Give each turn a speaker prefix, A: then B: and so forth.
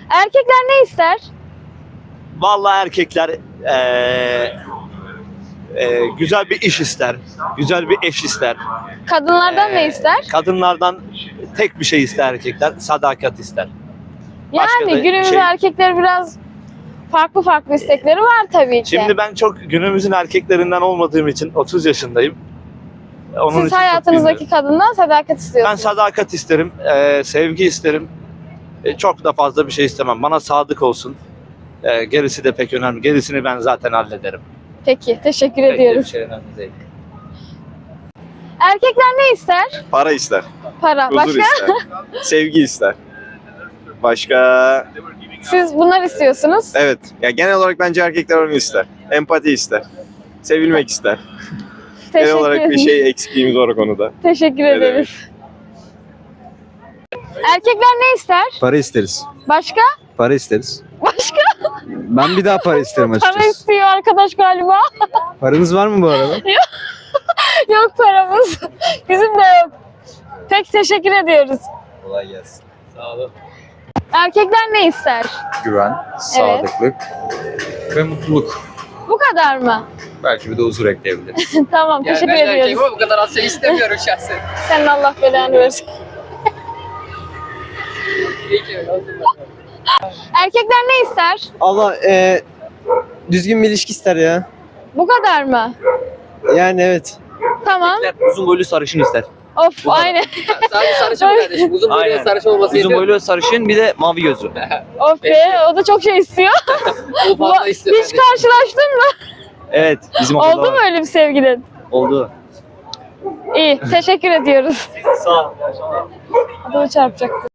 A: Erkekler ne ister?
B: Vallahi erkekler güzel bir iş ister, güzel bir eş ister.
A: Kadınlardan ne ister?
B: Kadınlardan tek bir şey ister erkekler, sadakat ister. Başka da
A: Yani günümüz
B: şey-
A: erkekleri biraz farklı istekleri var tabii ki.
B: Şimdi ben çok günümüzün erkeklerinden olmadığım için 30 yaşındayım. Onun için
A: Siz
B: çok
A: hayatınızdaki
B: bilmiyorum.
A: kadından sadakat
B: Ben
A: istiyorsunuz.
B: sadakat isterim, sevgi isterim. Çok da fazla bir şey istemem. Bana sadık olsun. Gerisi de pek önemli. Gerisini ben zaten hallederim.
A: Peki, teşekkür
B: Pek de bir
A: ediyoruz.
B: şey önemli değil.
A: Erkekler ne ister?
C: Para ister,
A: Para.
C: huzur
A: Başka?
C: ister, sevgi ister. Başka,
A: Siz bunlar istiyorsunuz.
C: evet. Ya genel olarak bence erkekler onu ister. Empati ister, sevilmek ister. Genel
A: Teşekkür
C: olarak bir
A: ederim.
C: şey eksikliğimiz var o konuda.
A: Teşekkür
C: Ne
A: ederiz. Erkekler ne ister?
D: Para isteriz.
A: Başka?
D: Para isteriz.
A: Başka?
D: Ben bir daha para isterim
A: Para
D: açıkçası.
A: istiyor arkadaş galiba.
D: Paranız var mı bu arada?
A: Yok paramız. Bizim de yok. Peki teşekkür ediyoruz.
D: Kolay gelsin.
B: Sağ olun.
A: Erkekler ne ister?
D: Güven, sadıklık ve mutluluk.
A: Bu kadar mı?
D: Belki bir de huzur ekleyebiliriz.
A: Tamam teşekkür
E: ben erkeğim
A: ediyoruz.
E: ama bu kadar az şey istemiyorum şahsen.
A: Senin Allah belanı versin.
E: Peki öyle olsun.
A: Erkekler ne ister?
F: Allah düzgün bir ilişki ister ya.
A: Bu kadar mı?
F: Yani evet.
A: Tamam.
G: Uzun boylu sarışın ister.
A: Of aynen.
E: Sadece sarışın mı kardeşim? Uzun boylu
G: Aynen.
E: sarışın olması
G: Uzun
E: yetiyor.
G: boylu sarışın bir de mavi gözlü.
A: Of be o da çok şey istiyor.
E: O fazla istiyor.
A: Hiç karşılaştın mı?
G: Evet bizim okulda
A: Oldu mu
G: var.
A: öyle bir sevgilin?
G: Oldu.
A: İyi teşekkür ediyoruz.
G: Sağ ol.
A: Adamı çarpacaktı.